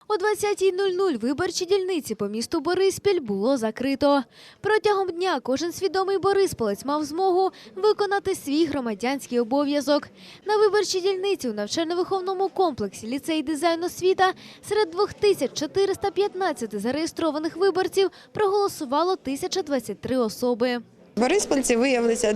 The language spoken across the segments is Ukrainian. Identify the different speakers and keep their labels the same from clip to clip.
Speaker 1: О 20:00 виборчі дільниці по місту Бориспіль було закрито. Протягом дня кожен свідомий борисполець мав змогу виконати свій громадянський обов'язок. На виборчій дільниці у навчально-виховному комплексі «Ліцей дизайн освіта» серед 2415 зареєстрованих виборців проголосувало 1023 особи.
Speaker 2: Бориспільці виявилися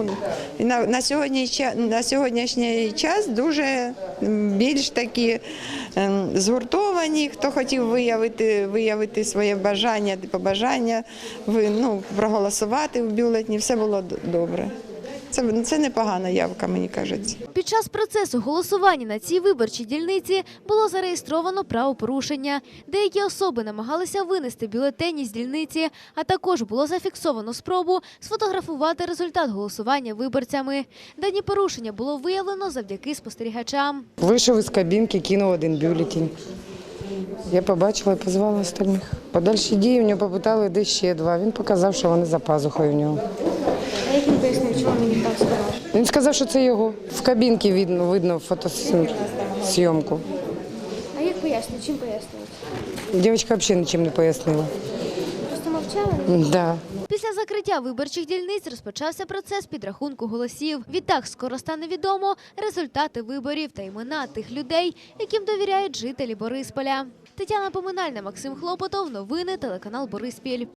Speaker 2: на сьогоднішній час дуже більш такі згуртовані. Хто хотів виявити своє бажання, побажання, проголосувати в бюлетені, все було добре. Це непогана явка, мені кажеться.
Speaker 1: Під час процесу голосування на цій виборчій дільниці було зареєстровано правопорушення. Деякі особи намагалися винести бюлетені з дільниці, а також було зафіксовано спробу сфотографувати результат голосування виборцями. Дані порушення було виявлено завдяки спостерігачам.
Speaker 3: Вийшов із кабінки, кинув один бюлетень. Я побачила і позвала остальних. Подальші дії в нього попитали, де ще два. Він показав, що вони за пазухою в нього.
Speaker 4: А як він пояснив, чому він так сказав?
Speaker 3: Він сказав, що це його. В кабінці видно фотосйомку.
Speaker 4: А як пояснюють? Чим пояснюють?
Speaker 3: Дівчинка взагалі нічим не пояснила.
Speaker 4: Просто мовчали?
Speaker 3: Да.
Speaker 1: Після закриття виборчих дільниць розпочався процес підрахунку голосів. Відтак скоро стане відомо результати виборів та імена тих людей, яким довіряють жителі Борисполя. Тетяна Поминальна, Максим Хлопотов. Новини телеканал Бориспіль.